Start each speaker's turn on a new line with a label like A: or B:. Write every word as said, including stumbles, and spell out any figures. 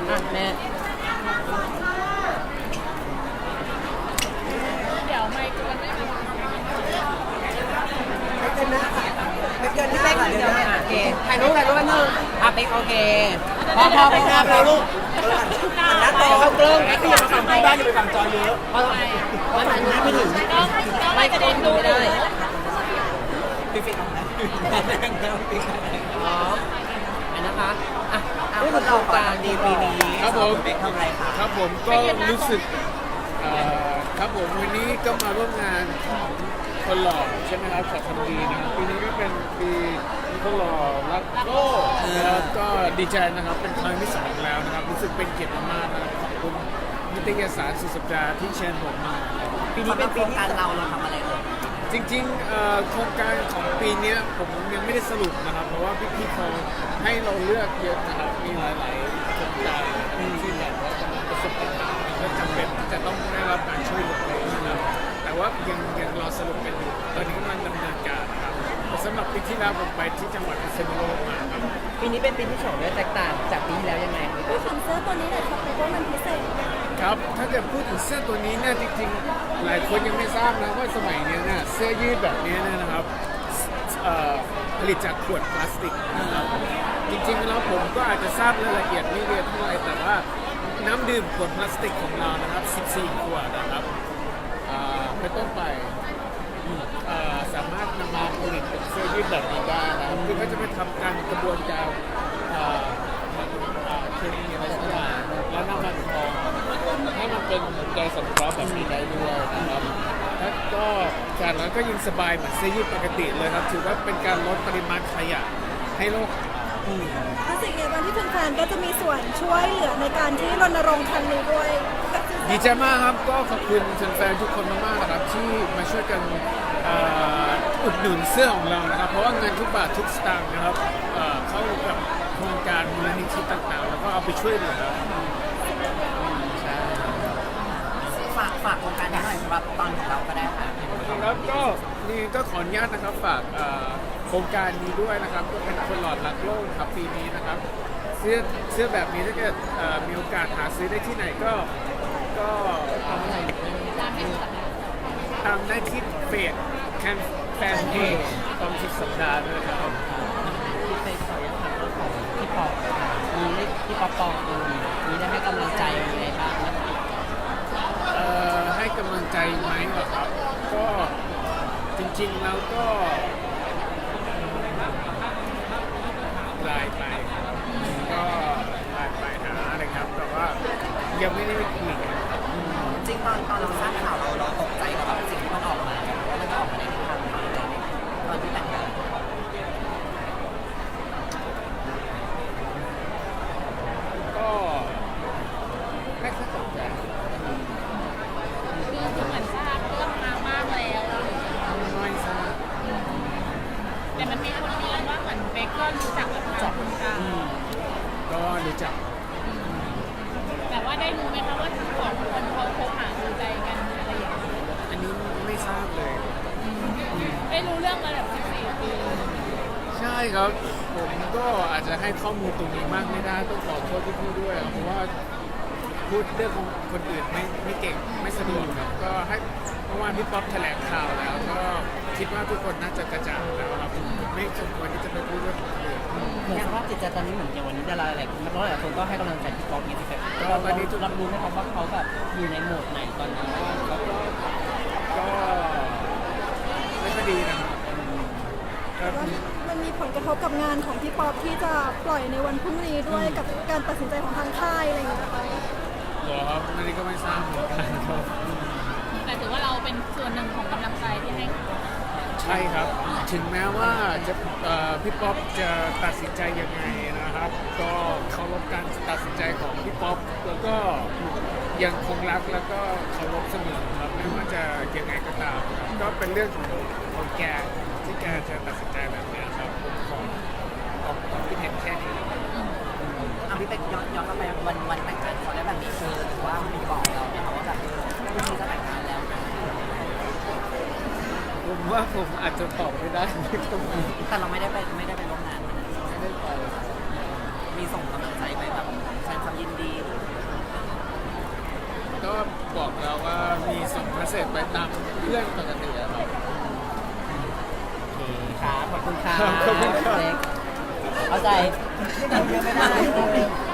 A: อ่ะแม่
B: เดี๋ยวไมค์กวนไม่มา
C: ไม่เกินหน้าค่ะไม่เกินหน้า
A: เป๊ก
C: ค่ะ
A: เดี๋
C: เดี๋
A: ย
C: ยวว
A: แม่
C: นะ
A: อ่ะโอเคถ่ายรูปถ่ายรูปแป๊บนึงอ่ะเป๊กโอเคพอพอพอพอพอลูก
C: หันหน้าตรง
A: เข้ากล้อง
C: ไม่ขยับฝั่งบ้านจะไปฝั่งจอเยอะ
A: เพราะมันมันไม่ถึง
B: ต้องต้องไม่กระเด็นดู
A: ไม่ได้
C: ปิดปิดออกนะ
A: อ๋ออันนะคะอ่ะผู้ประกอบการดีปีนี้
D: ครับผม
C: เด็กทำอะไรคะ
D: ครับผมก็รู้สึกเอ่อครับผมวันนี้ก็มาร่วมงานของคนหล่อใช่ไหมครับของคนดีนะครับปีนี้ก็เป็นปีคนหล่อรักโลกนะครับก็ดีใจนะครับเป็นครั้งที่สองแล้วนะครับรู้สึกเป็นเกียรติมากๆนะครับขอบคุณนิตยสารสุดสัปดาห์ที่เชิญผมมาครับ
C: ปีนี้เป็นโครงการเราเราทำอะไรเอ่ย
D: จริงๆเอ่อโครงการของปีเนี้ยผมยังไม่ได้สรุปนะครับ เพราะว่าพี่ๆเขาให้เราเลือกเยอะนะครับมีหลายๆโครงการที่แบบว่าจะประสบปัญหาและจำเป็นที่จะต้องได้รับการช่วยเหลือเลยนะครับแต่ว่ายังยังรอสรุปกันอยู่ตอนนี้กำลังดำเนินการนะครับแต่สำหรับปีที่แล้วผมไปที่จังหวัดพิษณุโลกมาครับ
A: ปีนี้เป็นปีที่สองด้วยแตกต่างจากปีที่แล้วยังไง
B: พูดถึงเสื้อตัวนี้หน่อยครับเป๊กว่ามันพิเศษ
D: ครับถ้าเกิดพูดถึงเสื้อตัวนี้เนี่ยจริงๆหลายคนยังไม่ทราบนะว่าสมัยเนี้ยเนี่ยเสื้อยืดแบบนี้เนี่ยนะครับเอ่อผลิตจากขวดพลาสติกนะครับจริงๆแล้วผมก็อาจจะทราบรายละเอียดไม่เยอะเท่าไหร่แต่ว่าน้ำดื่มขวดพลาสติกของเรานะครับสิบสี่ขวดนะครับอ่าเป็นต้นไปเอ่อสามารถนำมาผลิตเป็นเสื้อยืดแบบนี้ได้นะครับคือเขาจะไปทำการกระบวนการเอ่ออ่าเคมีอะไรสักอย่างแล้วนำมาทองให้มันเป็นแกนสังเคราะห์แบบนี้ได้ด้วยนะครับแล้วก็จากนั้นก็ยังสบายเหมือนเสื้อยืดปกติเลยครับถือว่าเป็นการลดปริมาณขยะให้โลก
B: ถ้าสิ่งในวันที่แฟนๆก็จะมีส่วนช่วยเหลือในการที่รณรงค์ครั้งนี้ด้วย
D: ดีใจมากครับก็ขอบคุณแฟนๆทุกคนมากๆนะครับที่มาช่วยกันเอ่ออุดหนุนเสื้อของเรานะครับ เพราะว่าเงินทุกบาททุกสตางค์นะครับเอ่อเข้ากับโครงการมูลนิธิต่างๆ แล้วก็เอาไปช่วยเหลือใช่
C: ฝากฝากโครงการนี้หน่อยสำหรับตอนของเราก็ได้ค่ะ
D: ครับก็นี่ก็ขออนุญาตนะครับฝากเอ่อโครงการนี้ด้วยนะครับก็เป็นคนหลอดรักโลกครับปีนี้นะครับเสื้อเสื้อแบบนี้ถ้าเกิดเอ่อมีโอกาสหาซื้อได้ที่ไหนก็ก็ตามได้ที่เฟซแคนแฟนเพจตอนสุดสัปดาห์ด้วยนะครับ
A: พี่เป๊กขออนุญาตถามเรื่องของพี่ปอบมีได้พี่ปอบปองเออมีได้ให้กำลังใจยังไงบ้างนะคะ
D: เอ่อให้กำลังใจไหมเหรอครับ ก็จริงๆแล้วก็ไลน์ไปก็ไลน์ไปหาอะไรครับ แต่ว่ายังไม่ได้ไปคุยกัน
C: จริงตอนตอนเราทราบข่าวเราเราตกใจกับแบบสิ่งที่มันออกมาว่ามันจะออกมาในทิศทางไหนอะไรอย่างเงี้ยตอนที่แต่งงาน
D: ก็ไม่ค่อยสนใจ
B: คือเหมือนทราบเรื่องมามากแล้ว
D: ไม่ทราบ
B: แต่มันมีคนเรียนว่าเหมือนเป๊กก็รู้จักกับทางคุณกา
D: ก็รู้จัก
B: แต่ว่าได้รู้ไหมคะว่าทั้งสองคนเขาคบหาดูใจกันอะไรอย่างเงี้ย
D: อันนี้ไม่ทราบเลย
B: ได้รู้เรื่องมาแบบสิบสี่ปี
D: ใช่ครับ ผมก็อาจจะให้ข้อมูลตรงนี้มากไม่ได้ต้องขอโทษพี่ๆด้วย เพราะว่าพูดเรื่องของคนอื่นไม่ไม่เก่งไม่สะดวกครับก็ให้เมื่อวานพี่ป๊อปแถลงข่าวแล้ว ก็คิดว่าทุกคนน่าจะกระจ่างแล้วครับไม่สมควรที่จะไปพูดเรื่องของคนอื่น
A: เหมือนสภาพจิตใจตอนนี้เหมือนอย่างวันนี้ดาราหลายคนนักร้องหลายคนก็ให้กำลังใจพี่ป๊อกนี่สิครับเราเรารับรู้ไหมครับว่าเขาแบบอยู่ในโหมดไหนตอนนี้
D: แล้วก็ก็ไม่ค่อยดีนะครับก็
B: มันมีผลกระทบกับงานของพี่ป๊อปที่จะปล่อยในวันพรุ่งนี้ด้วยกับการตัดสินใจของทางค่ายอะไรอย่างเงี้ยนะคะ
D: เหรอครับอันนี้ก็ไม่ทราบเหมือนกันครับ
B: แต่ถือว่าเราเป็นส่วนหนึ่งของกำลังใจที่ให้
D: ใช่ครับ ถึงแม้ว่าจะเอ่อพี่ป๊อปจะตัดสินใจยังไงนะครับ ก็เคารพการตัดสินใจของพี่ป๊อปแล้วก็ยังคงรักแล้วก็เคารพเสมอครับไม่ว่าจะยังไงก็ตามครับก็เป็นเรื่องของของแกที่แกจะตัดสินใจแบบนี้ครับผมขอออกความคิดเห็นแค่นี้นะครับ
C: เอาพี่เป็กย้อนย้อนกลับไปวันวันแต่งงานเขาได้แบบมีเชิญหรือว่ามีบอกเราเนี่ยค่ะว่าแบบพรุ่งนี้จะแต่งงานแล้วนะ
D: ผมว่าผมอาจจะตอบไม่ได้ตรงนี้
C: แต่เราไม่ได้ไปไม่ได้ไปร่วมงานวันนั้น
D: ไม่ได้ไป
C: มีส่งกำลังใจไปแบบแสดงความยินดี
D: ก็บอกเราว่ามีส่งเมสเซจไปตามเพื่อนปกติอะครับ
A: โอเคครับขอบคุณครับ
D: ขอบคุณครับ
A: เล็กเข้าใจ
C: ไม่ได้